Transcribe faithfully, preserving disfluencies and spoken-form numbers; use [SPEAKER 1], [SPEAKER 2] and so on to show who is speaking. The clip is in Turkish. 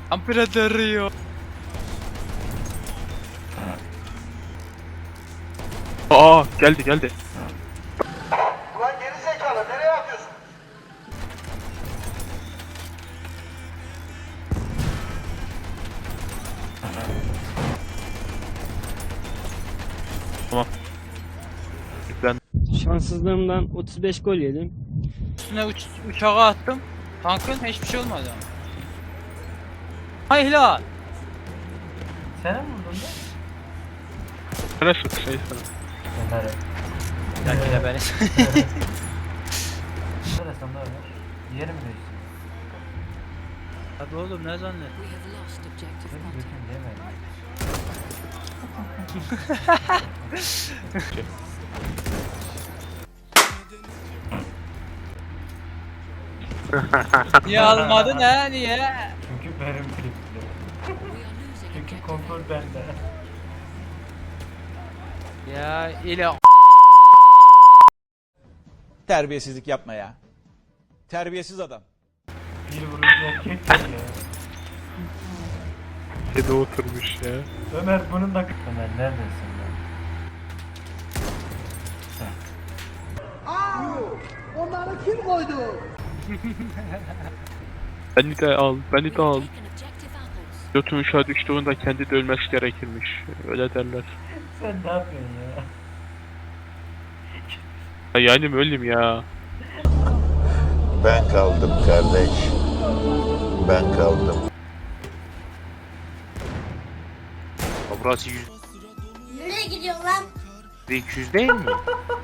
[SPEAKER 1] Ampirador'u.
[SPEAKER 2] Aa geldi geldi.
[SPEAKER 3] Ulan geri zekalı nereye atıyorsun?
[SPEAKER 2] Tamam. Yüklen.
[SPEAKER 4] Şanssızlığımdan otuz beş gol yedim.
[SPEAKER 1] Üstüne uç uçağa attım. Tankın hiçbir şey olmadı ama. Hay hilal.
[SPEAKER 5] Sen mi vurdun da?
[SPEAKER 2] Sana şu şey sana.
[SPEAKER 5] Ömer'e.
[SPEAKER 1] Belki de beni.
[SPEAKER 5] Şöyle sen de Ömer. Yeri mi değiştirdin?
[SPEAKER 1] Hadi oğlum ne zannet?
[SPEAKER 6] We have lost objective
[SPEAKER 5] Benim
[SPEAKER 6] contact.
[SPEAKER 5] götüm yemedim.
[SPEAKER 1] Niye almadın ha niye?
[SPEAKER 5] Çünkü benim klipti.
[SPEAKER 6] We are losing
[SPEAKER 5] Çünkü
[SPEAKER 6] objective
[SPEAKER 5] kontrol bende.
[SPEAKER 1] Ya ile
[SPEAKER 7] Terbiyesizlik yapma ya. Terbiyesiz adam.
[SPEAKER 5] Bir vurunca erkek ya.
[SPEAKER 2] Kedi oturmuş ya.
[SPEAKER 5] Ömer bunun da... Ömer neredesin lan?
[SPEAKER 2] Beni de al, beni de al.
[SPEAKER 6] taken objective apples.
[SPEAKER 2] Götün uşağı düştüğünde kendi de ölmesi gerekirmiş. Öyle derler.
[SPEAKER 5] Sen ne yapıyorsun ya?
[SPEAKER 2] Ha, yani mi öleyim ya?
[SPEAKER 3] Ben kaldım kardeş. Ben kaldım.
[SPEAKER 2] Burası yüz
[SPEAKER 8] Nereye gidiyorsun lan?
[SPEAKER 2] iki yüz değil mi?